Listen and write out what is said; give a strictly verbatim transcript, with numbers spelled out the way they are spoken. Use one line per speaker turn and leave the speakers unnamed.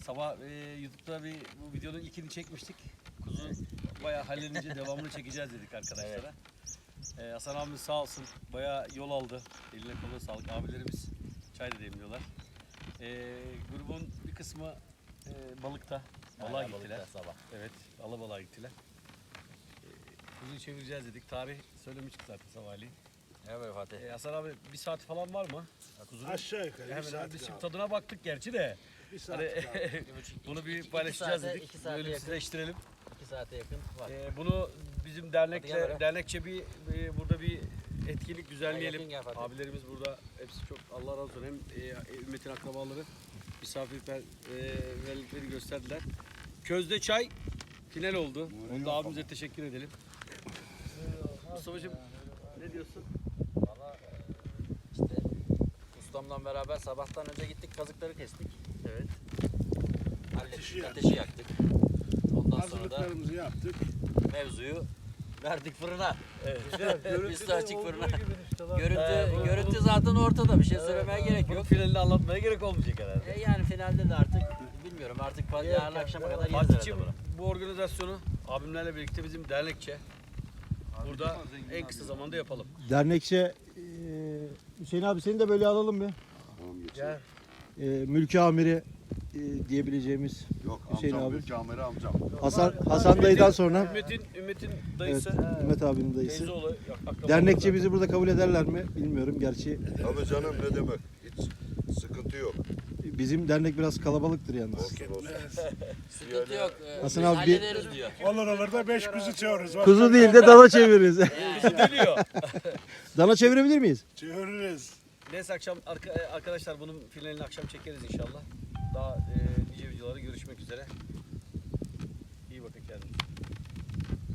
sabah e, YouTube'da bir bu videonun ilkini çekmiştik. Kuzu bayağı hallenince devamını çekeceğiz dedik arkadaşlara. E, Hasan abimiz sağ olsun bayağı yol aldı. Eline koluna sağlık. Abilerimiz çay da demliyorlar. E, grubun bir kısmı e, balıkta. Balığa
Hala
gittiler.
balıkta sabah.
Evet, alabalığa gittiler. E, kuzuyu çevireceğiz dedik. Tarih söylemiştik zaten sabahleyin.
Evet Fatih.
E, Hasan abi bir saat falan var mı? Kuzunun?
Aşağı yukarı bir
Hemen
saat
abi biz şimdi
kaldı.
tadına baktık gerçi de.
Bir saat
Hani,
kaldı.
bunu bir
iki
paylaşacağız
saate-
dedik.
iki saate
Böyle
yakın.
sizleştirelim.
iki saate yakın var.
Ee, bunu bizim
Hadi
dernekle
gel böyle.
dernekçe bir e, burada bir etkinlik düzenleyelim.
yakın gel Fatih.
Abilerimiz burada hepsi çok Allah razı olsun. Hem e, ümmetin akrabaları misafirperverlikleri gösterdiler. Közde çay final oldu. Onu da abimize teşekkür edelim. Mustafa'cığım ne diyorsun?
Valla işte ustamla beraber sabahtan önce gittik kazıkları kestik.
Evet.
Hallettik,
Ateşi
ateşi,
yaktık.
yaktık. Ondan sonra da
Hazırlıklarımızı yaptık.
mevzuyu verdik fırına.
Evet.
Üstü açık fırına.
He,
Görüntü,
bu-
görüntü zaten ortada. Bir şey söylemeye gerek
Bunun
yok.
finalini anlatmaya gerek olmayacak herhalde.
E yani finalde de artık bilmiyorum artık pa- yarın akşama kadar yeriz herhalde
Fatih'ciğim
bunu.
bu organizasyonu abimlerle birlikte bizim dernekçe burada en kısa zamanda yapalım.
Dernekçe eee, Hüseyin abi seni de böyle alalım mı?
Gel.
Eee mülki amiri eee, diyebileceğimiz
Yok
Hüseyin
amcam,
abi.
büyük amiri amcam.
Hasan Hasan dayıdan sonra
Ümmet'in Ümmet'in
evet,
dayısı.
Ümmet abinin dayısı.
Teyzeoğlu. akrabaları
Dernekçe
da.
bizi burada kabul ederler mi bilmiyorum. Gerçi
Tabii canım ne demek. Hiç sıkıntı yok.
bizim dernek biraz kalabalıktır yalnız.
Olsun olsun.
Sıkıntı yok. e,
Hasan
biz
abi bir-
hallederiz diyor.
Olur olur da beş kuzu çağırırız. Bak,
Kuzu değil de dana çeviririz.
Kuzu dönüyor.
Dana çevirebilir miyiz?
çağırırız.
Neyse akşam arka- arkadaşlar bunun finalini akşam çekeriz inşallah. Daha e, nice videolarda görüşmek üzere.